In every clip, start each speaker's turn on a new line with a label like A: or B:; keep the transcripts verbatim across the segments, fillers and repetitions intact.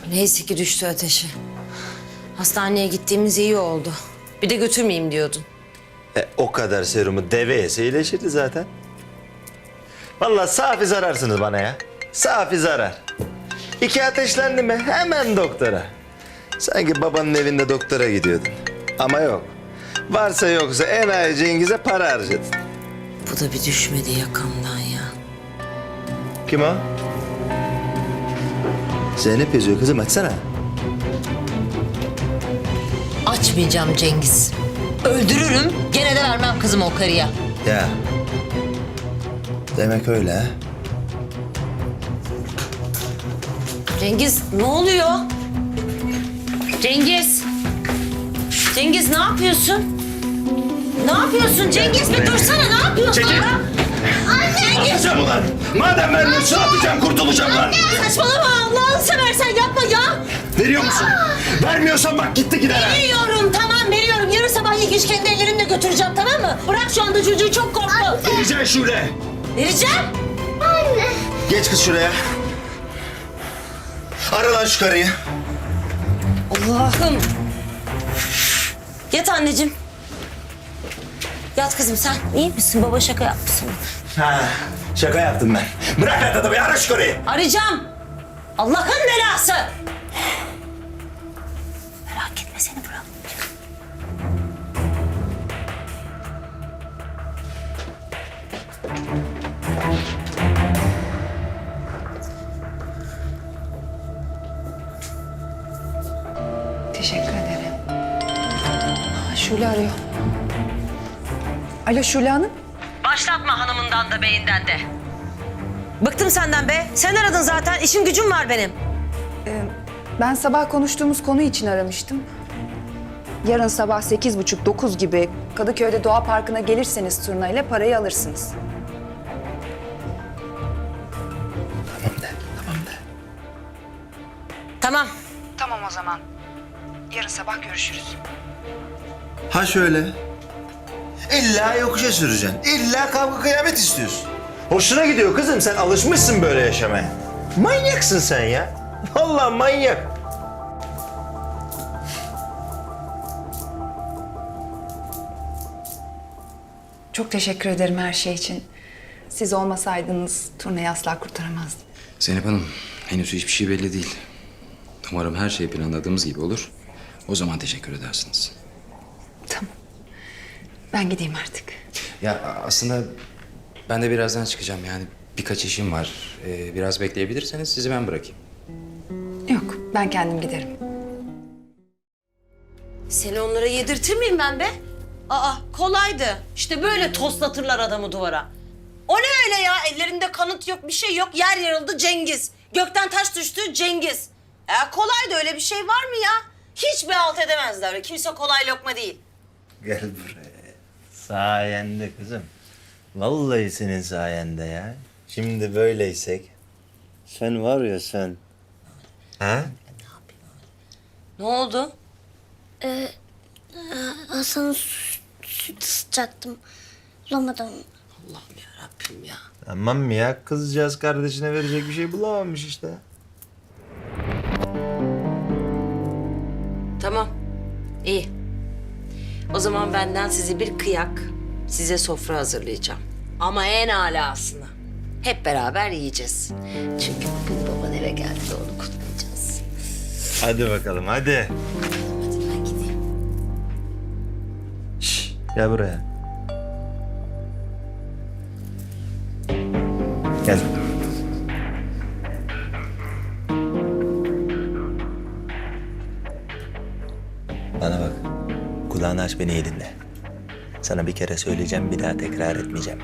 A: Neyse ki düştü ateşi. Hastaneye gittiğimiz iyi oldu. Bir de götürmeyeyim diyordun.
B: E, o kadar serumu deve yese iyileşirdi zaten. Vallahi safi zararsınız bana ya. Safi zarar. İki ateşlendi mi hemen doktora. Sanki babanın evinde doktora gidiyordun. Ama yok. Varsa yoksa enayi Cengiz'e para harcadın.
A: Bu da bir düşmedi yakamdan ya.
B: Kim o? Zeynep yazıyor kızım, açsana.
A: Açmayacağım Cengiz. Öldürürüm, gene de vermem kızımı o karıya.
B: Ya. Demek öyle ha.
A: Cengiz ne oluyor? Cengiz. Cengiz ne yapıyorsun? Ne yapıyorsun Cengiz? Bir dursana, ne yapıyorsun
B: Çekil.
A: ya? Anne!
B: Atacağım ulan. Madem vermiyorsun atacağım, kurtulacağım lan.
A: Saçmalama, Allah'ını seversen yapma ya.
B: Veriyor musun? Vermiyorsan bak gitti gider ha.
A: Veriyorum, tamam veriyorum. Yarın sabah ilk iş kendi ellerimle götüreceğim, tamam mı? Bırak şu anda çocuğu, çok korktu.
B: Vereceksin Şule.
A: Vereceğim.
B: Geç kız şuraya. Ara lan şu karıyı.
A: Allah'ım. Yat anneciğim. Yat kızım sen. İyi misin? Baba şaka yapmışsın.
B: Ha, şaka yaptım ben. Bırak lan adamı, ara şu karıyı.
A: Arayacağım. Allah'ın belası. Merak etme, seni bırakmayacağım.
C: Teşekkür ederim. Aa, Şule arıyor. Alo Şule Hanım.
A: Başlatma hanımından da beyinden de. Bıktım senden be. Sen aradın zaten. İşim gücüm var benim.
C: Ben sabah konuştuğumuz konu için aramıştım. Yarın sabah sekiz buçuk dokuz gibi Kadıköy'de Doğa Parkı'na gelirseniz turnayla parayı alırsınız.
B: Tamam de, tamam de.
A: Tamam.
C: Tamam o zaman. Yarın sabah görüşürüz.
B: Ha şöyle. İlla yokuşa süreceksin. İlla kavga kıyamet istiyorsun. Hoşuna gidiyor kızım. Sen alışmışsın böyle yaşamaya. Manyaksın sen ya. Vallahi manyak.
C: Çok teşekkür ederim her şey için. Siz olmasaydınız turnayı asla kurtaramazdım.
D: Zeynep Hanım, henüz hiçbir şey belli değil. Umarım her şey planladığımız gibi olur. O zaman teşekkür edersiniz.
C: Tamam. Ben gideyim artık.
D: Ya aslında ben de birazdan çıkacağım. Yani birkaç işim var. Ee, biraz bekleyebilirseniz sizi ben bırakayım.
C: Yok, ben kendim giderim.
A: Seni onlara yedirtir miyim ben be? Aa kolaydı. İşte böyle toslatırlar adamı duvara. O ne öyle ya? Ellerinde kanıt yok, bir şey yok. Yer yarıldı Cengiz. Gökten taş düştü Cengiz. Ya kolaydı, öyle bir şey var mı ya? Hiç bir halt edemezler. Kimse kolay lokma değil.
B: Gel buraya. Sayende kızım. Vallahi senin sayende ya. Şimdi böyleysek. Sen var ya sen. Ha?
A: Ne oldu?
E: Hasan'ın sü- süt ısıtacaktım. Bulamadım.
A: Allah'ım yarabbim ya.
B: Tamam ya, kızcağız kardeşine verecek bir şey bulamamış işte.
A: Tamam. İyi. O zaman benden sizi bir kıyak, size sofra hazırlayacağım. Ama en alasını. Hep beraber yiyeceğiz. Çünkü bugün baban eve geldi de onu kutlayacağız.
B: Hadi bakalım hadi.
A: Hadi ben gideyim.
B: Şş, gel buraya. Gel. Bana bak. Kulağını aç, beni iyi dinle. Sana bir kere söyleyeceğim, bir daha tekrar etmeyeceğim.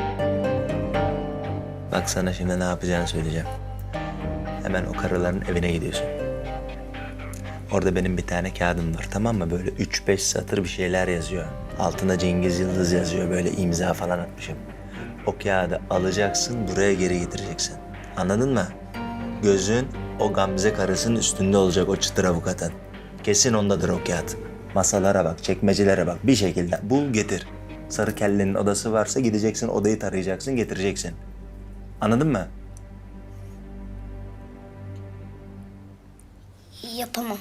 B: Bak sana şimdi ne yapacağını söyleyeceğim. Hemen o karıların evine gidiyorsun. Orada benim bir tane kağıdım var, tamam mı? Böyle üç beş satır bir şeyler yazıyor. Altına Cengiz Yıldız yazıyor, böyle imza falan atmışım. O kağıdı alacaksın, buraya geri getireceksin. Anladın mı? Gözün o Gamze karısının üstünde olacak, o çıtır avukatın. Kesin ondadır o kağıt. Masalara bak, çekmecelere bak, bir şekilde bul getir. Sarı kellenin odası varsa gideceksin, odayı tarayacaksın, getireceksin. Anladın mı?
E: Yapamam.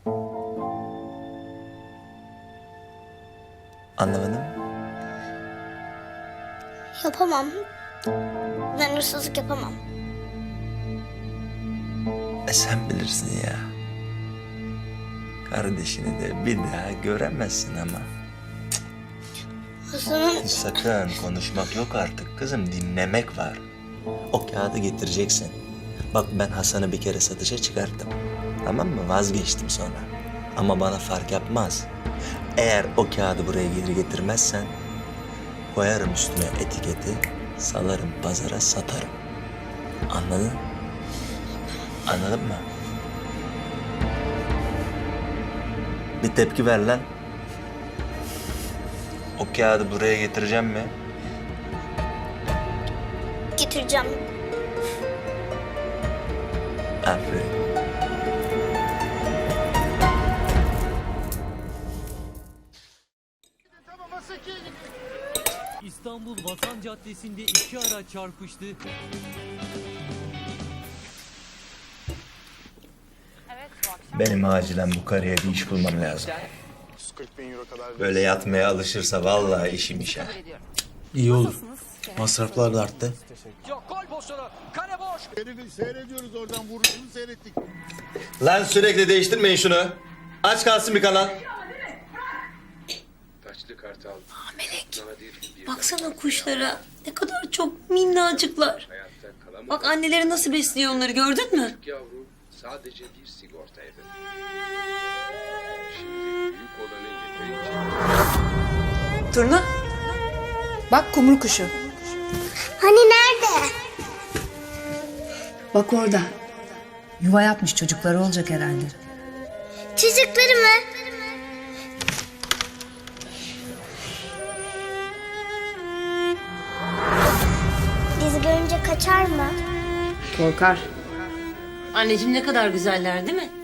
B: Anlamadım.
E: Yapamam. Ben hırsızlık yapamam.
B: E sen bilirsin ya. Kardeşini de bir daha göremezsin ama.
E: Hasan'ın
B: Sakın konuşmak yok artık kızım, dinlemek var. O kağıdı getireceksin. Bak ben Hasan'ı bir kere satışa çıkarttım. Tamam mı? Vazgeçtim sonra. Ama bana fark yapmaz. Eğer o kağıdı buraya geri getirmezsen... koyarım üstüne etiketi, salarım pazara, satarım. Anladın? Anladın mı? Bir tepki ver lan. O kağıdı buraya getireceğim mi?
E: getireceğim.
B: Aferin.
F: İstanbul Vatan Caddesi'nde iki araç çarpıştı.
B: Benim acilen bu karıya bir iş bulmam lazım. Böyle yatmaya alışırsa vallahi işim işe.
G: İyi olur. Masraflar da arttı.
H: Herifi seyrediyoruz oradan vuruşunu seyrettik.
B: Lan sürekli değiştirmeyin şunu. Aç kalsın bir kanal.
A: Melek, baksana kuşlara. Ne kadar çok minnacıklar. Bak anneleri nasıl besliyor onları, gördün mü?
I: Yavru sadece bir sigortaydı. Şimdi büyük olanı yeterince...
C: Turna. Bak kumru kuşu.
E: Hani nerede?
J: Bak orada. Yuva yapmış, çocukları olacak herhalde.
E: Çocukları mı? Bizi görünce kaçar mı?
J: Korkar.
A: Anneciğim ne kadar güzeller değil mi?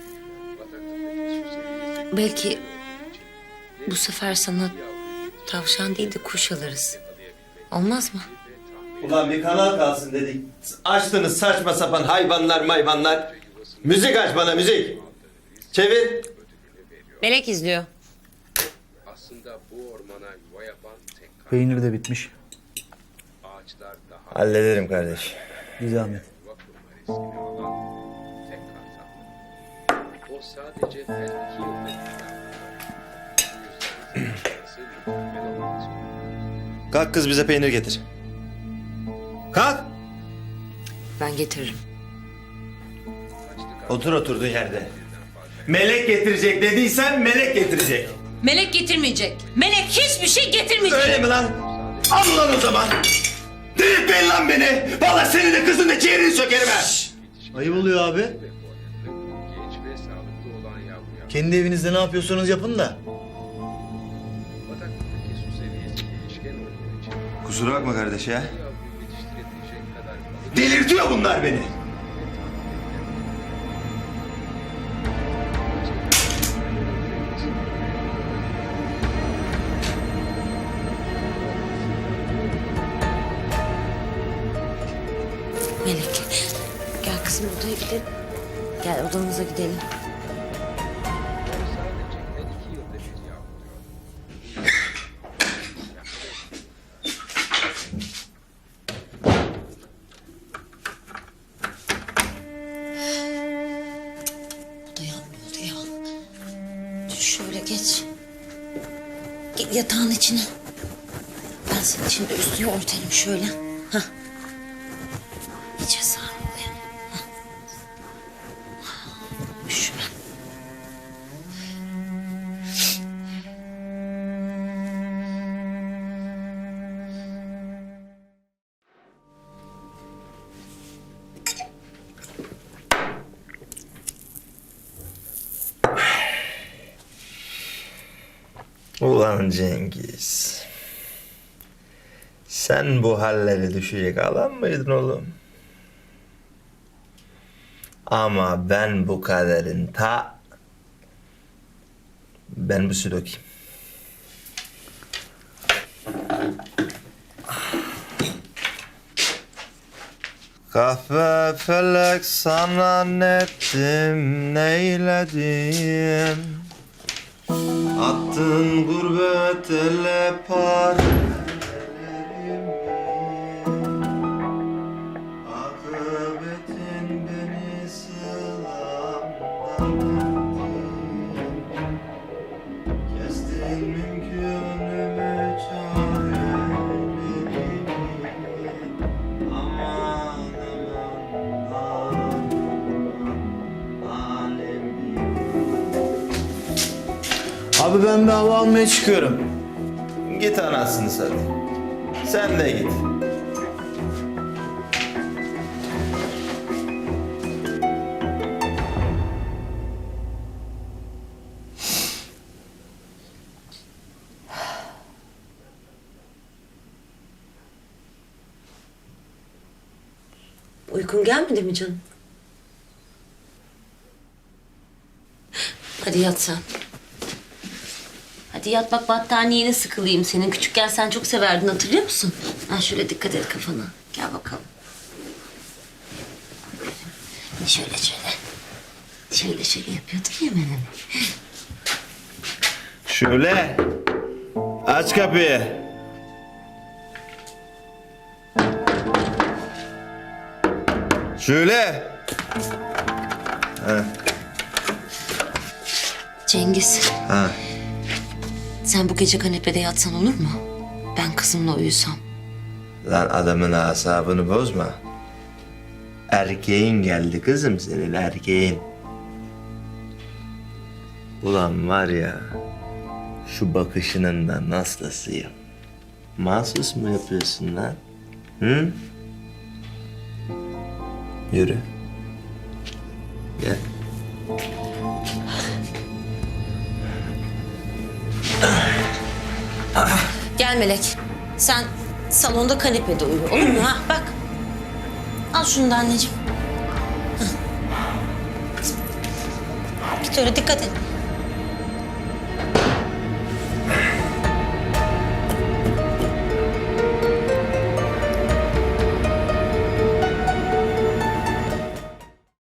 A: Belki bu sefer sana tavşan değil de kuş alırız. Olmaz mı?
B: Ulan bir kanal kalsın dedik. Açtınız saçma sapan hayvanlar mayvanlar. Müzik aç bana, müzik. Çevir.
A: Melek izliyor.
I: Aslında bu ormana yuva yapan tek kar-
G: Peynir de bitmiş.
I: ağaçlar daha
B: Hallederim kardeş.
G: Bir zahmet.
I: yuva kurma riskini alan tek kartal. O sadece her iki yılda bir Bu yüzden nasıl mükemmel olması
B: Kalk kız bize peynir getir. Kalk.
A: Ben getiririm.
B: Otur oturduğun yerde. Melek getirecek dediysen melek getirecek.
A: Melek getirmeyecek. Melek hiçbir şey getirmeyecek.
B: Öyle mi lan? Al lan o zaman. Delirtmeyin lan beni. Vallahi seni de kızın da ciğerini sökerim ha.
G: Ayıp oluyor abi.
I: genç ve sağlıklı olan yavruya
G: Kendi evinizde ne yapıyorsanız yapın da.
I: bataktaki su seviyesi değişken olduğu için
B: Kusura bakma kardeş ya.
I: yavruyu yetiştirebilecek kadar balık
B: Delirtiyor bunlar beni.
A: Melek, gel kızım odaya gidelim. Gel odamıza gidelim.
I: sadece her iki yılda bir yavruyor.
A: Odaya ne oldu ya? Dur şöyle geç. Git yatağın içine. Ben senin için de üstünü örtelim şöyle. Hah. İyice sarmalıyım. Hah. Üşüme.
B: Ulan Cengiz. Sen bu hallere düşecek adam mıydın oğlum? Ama ben bu kaderin ta... Ben bu su dökeyim. Kahve felek sana nettim neyledim. Attın gurbet ele parmelerimi. Akıbetin beni sılamdan ettin. Kestin mümkünümü çarelerimi. Aman aman aman alemi.
G: Abi ben bir hava almaya çıkıyorum.
B: Git anasını satayım. Sen de git.
A: Uykun gelmedi mi canım? Hadi yat sen. Hadi yat bak battaniyene sıkılayım senin. Küçükken sen çok severdin hatırlıyor musun? Ha şöyle dikkat et kafana. Gel bakalım. Şöyle şöyle. Şöyle şöyle yapıyordun ya benim.
B: Şöyle. Aç kapıyı. Şöyle. Ha.
A: Cengiz.
B: Ha.
A: Sen bu gece kanepede yatsan olur mu? Ben kızımla uyusam.
B: Lan adamın asabını bozma. Erkeğin geldi kızım senin erkeğin. Ulan var ya şu bakışının da naslasıyım. Mahsus mu yapıyorsun lan? Hı? Yürü. Gel.
A: Gel Melek. Sen salonda kanepede uyu olur mu? Ha bak. Al şunu da anneciğim. Hah. Git öyle dikkat et.